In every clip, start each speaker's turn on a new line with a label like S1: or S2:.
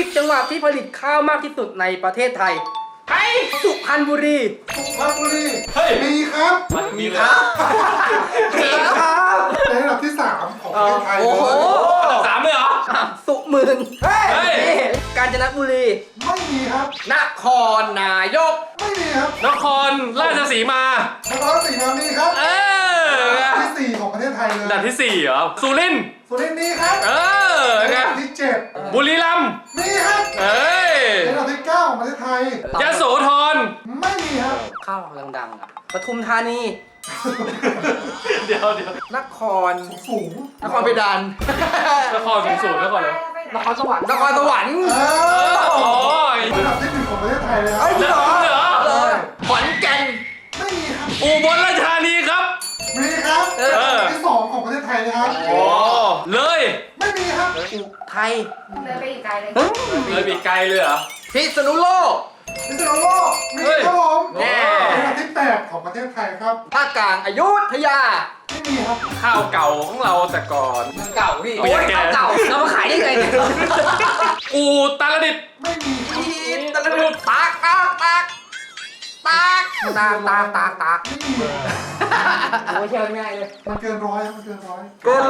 S1: 10 จังหวัดที่ผลิตข้าวมากที่สุดในประเทศไทยสุพรรณบุรี
S2: สุพรรณบุรี
S3: เฮ้ย
S2: มีครับ
S3: มีครับ
S1: มีครับ
S2: ในอันดับที่ 3 ของประเทศไทย
S1: โอ้โห
S3: อันดับ3เลยเหรอ
S1: สุมืน
S3: เฮ้ย
S1: กาญจนบุรี
S2: ไม่มีครับ
S1: นครนายก
S2: ไม่มีครับ
S3: นครราชสีมา
S2: นครศรีธรรมราชมีครับ
S3: เออ
S2: ที่ 4 ของประเทศไทยเลย
S3: อันดับที่4เหรอ สุรินทร์
S2: สุรินทร์มีครับ
S3: เออ
S2: ใน
S3: ไง
S2: อันดับที่ 7
S3: บุรีรัมย์
S2: มีครับ
S3: เอ้ย
S2: ในอันดับที่ 9 ของประเทศไทย
S3: ยโสธร
S2: ไม่มีครับ
S1: ข้าวดังๆอ่ะปทุมธานี
S3: เดี๋ยวน
S1: คร
S2: สูง
S1: นครเพดาน
S3: นครสูงๆนครเลย
S1: นครสวรรค์นครสวรรค์
S3: โอ้ย
S2: อันดับที่ 1 ของประเทศไทยเลยครับ
S1: จริงเหรอ
S3: เหรอ
S1: เลยขอนแก่น
S2: ไม่มีครับ
S3: อุบลราชธานีครับ
S2: มีครับ
S1: เออ
S2: อันดับที่ 2 ของประเทศไทยนะครับ
S3: โอ้เลย
S2: ไม่มีครับ
S1: อุทัย
S4: เลยไปอีกไกลเลย
S3: เลยปีกไกลเลยเหรอ
S1: พิษณุโลก
S2: พิษณุโลกมี
S3: เฮ้ย
S2: ครับผม
S1: แน่
S2: อันดับที่ 8 ของประเทศไทยครับ
S1: ภาคกลางอยุธยา
S2: ไม่มีครับ
S3: ข้าวเก่าของเราแต่ก่อน
S1: เก่าพี่
S3: โอ้ย
S1: เก่าเรามาขายได้ไงเนี่ย
S3: อูตรดิตถ์
S2: ไม่มีครับ
S1: พีตะลุดตากตากตากตากตากตากตากตาก
S2: ไม่มี
S1: โอ้ยเชื่อง่ายเลย
S2: มันเกินร้อยครับมันเกินร้อย
S1: เกิน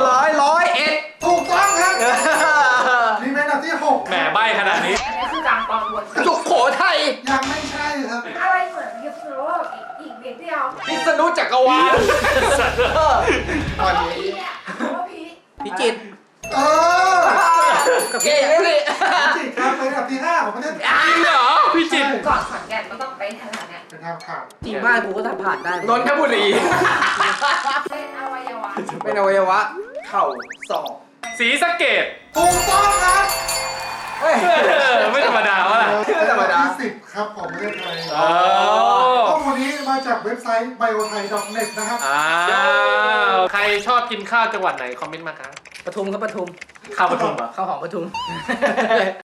S1: 100
S2: ถูกต้องครับมีเป็นอันดับที่ 6
S3: แหมใบขนาดนี้
S4: อันนี้คือกลางตอนบน
S1: สุโขทัย
S2: ยังไม่ใช่ครับ
S4: อะไรเหมือนพิษณุโลกอีกเด็กเดียว
S1: พิษณุจักรวาลตอนนี้
S4: พี่เนี่ยเพราะว่าพี่
S1: พิจิตร
S2: เออ
S1: กับเก่งเลย
S2: จิตครับเป็นอันดับที่ 5 ของประเทศไทย
S3: จริงเหรอพี่จิตร
S4: ก่อนขอนแก่นก็ต้องไปทางนั้นเนี่ย
S2: เป็นทางผ่าน
S1: จริงบ้านกูก็ทำผ่านได้นนทบุรี
S4: เป็นอวัยวะ
S1: เป็นอวัยวะเข่าศอก
S3: ศรีสะเกษ
S2: ถูกต้องครับ
S1: เฮ้ย
S3: ไม่ธรรมดาวะล่ะ
S1: ไม่ธรรมดา
S2: ที่ 10 ครับของประเทศไทย
S3: อ๋อ
S2: ข้อมูลนี้มาจากเว็บไซต์ biothai.net นะครับ
S3: อ้าวใครชอบกินข้าวจังหวัดไหนคอมเมนต์มาครับ
S1: ปทุมครับปทุม
S3: ข้าวปทุมเหรอ
S1: ข้าวหอมปทุม